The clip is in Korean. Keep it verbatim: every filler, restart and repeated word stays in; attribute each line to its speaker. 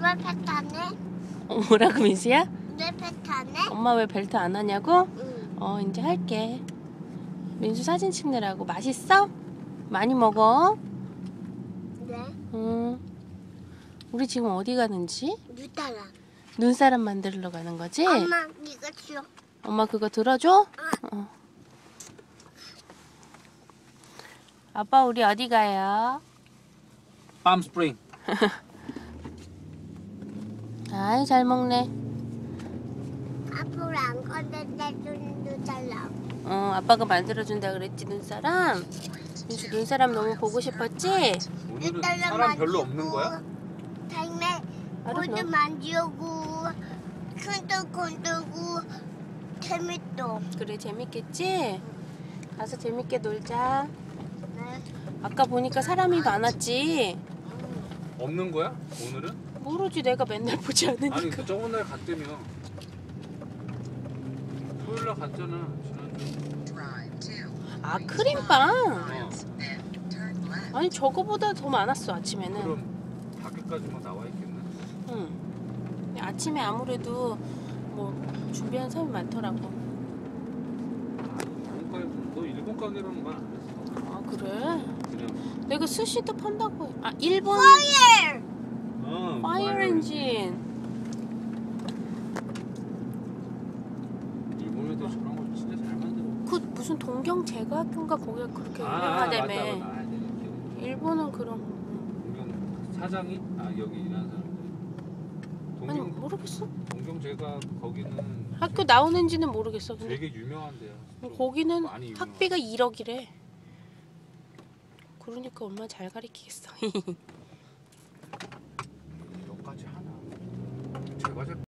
Speaker 1: 왜 벨트 안 해?
Speaker 2: 어, 뭐라고 민수야?
Speaker 1: 왜 벨트 안 해?
Speaker 2: 엄마 왜 벨트 안 하냐고?
Speaker 1: 응.
Speaker 2: 어 이제 할게. 민수 사진 찍느라고. 맛있어? 많이 먹어?
Speaker 1: 네.
Speaker 2: 응. 우리 지금 어디 가는지?
Speaker 1: 누따라.
Speaker 2: 눈사람 만들러 가는 거지?
Speaker 1: 엄마 이거 줘.
Speaker 2: 엄마 그거 들어줘? 어. 아빠 우리 어디 가요?
Speaker 3: 팜 스프링.
Speaker 2: 아이 잘 먹네.
Speaker 1: 앞으로 안 건드려 준 누따라.
Speaker 2: 어 아빠가 만들어준다 그랬지 눈사람? 민수 눈사람 너무 보고 싶었지?
Speaker 3: 오늘은 사람 별로 없는 거야?
Speaker 1: 다음에
Speaker 2: 알았어.
Speaker 1: 모두 만지고 손도 건들고 재밌어.
Speaker 2: 그래 재밌겠지? 가서 재밌게 놀자.
Speaker 1: 네.
Speaker 2: 아까 보니까 사람이 많았지?
Speaker 3: 없는 거야? 오늘은?
Speaker 2: 모르지 내가 맨날 보지 않으니까.
Speaker 3: 아니 그 저번 날 갔다며. 토요일 날 갔잖아. 지난주.
Speaker 2: 아 크림빵?
Speaker 3: 어.
Speaker 2: 아니 저거보다 더 많았어 아침에는.
Speaker 3: 그럼 밖에까지 막 나와 있겠네.
Speaker 2: 응. 아침에 아무래도 뭐 준비한 사람이 많더라고.
Speaker 3: 일본 가게, 너 일본 가게라는 말 안 했어.
Speaker 2: 아 그래?
Speaker 3: 그냥.
Speaker 2: 내가 스시도 판다고. 해. 아 일본
Speaker 1: 파이어!
Speaker 3: 어,
Speaker 2: 파이어 엔진.
Speaker 3: 일본에도 저런 거 진짜 잘 만들어.
Speaker 2: 그 무슨 동경 제과학교인가 거기가 그렇게
Speaker 3: 아, 맞다,
Speaker 2: 유명하다며.
Speaker 3: 맞다. 아, 네, 기억나.
Speaker 2: 일본은 그런.
Speaker 3: 동경 사장이? 아 여기 일하는 사람들.
Speaker 2: 아니
Speaker 3: 동경
Speaker 2: 모르겠어.
Speaker 3: 동경 제가 거기는
Speaker 2: 학교 나오는지는 모르겠어. 근데
Speaker 3: 되게 유명한데요.
Speaker 2: 거기는
Speaker 3: 많이 유명한.
Speaker 2: 학비가 일억이래. 그러니까 얼마나 잘 가르치겠어.
Speaker 3: 몇가지 하나. 제과제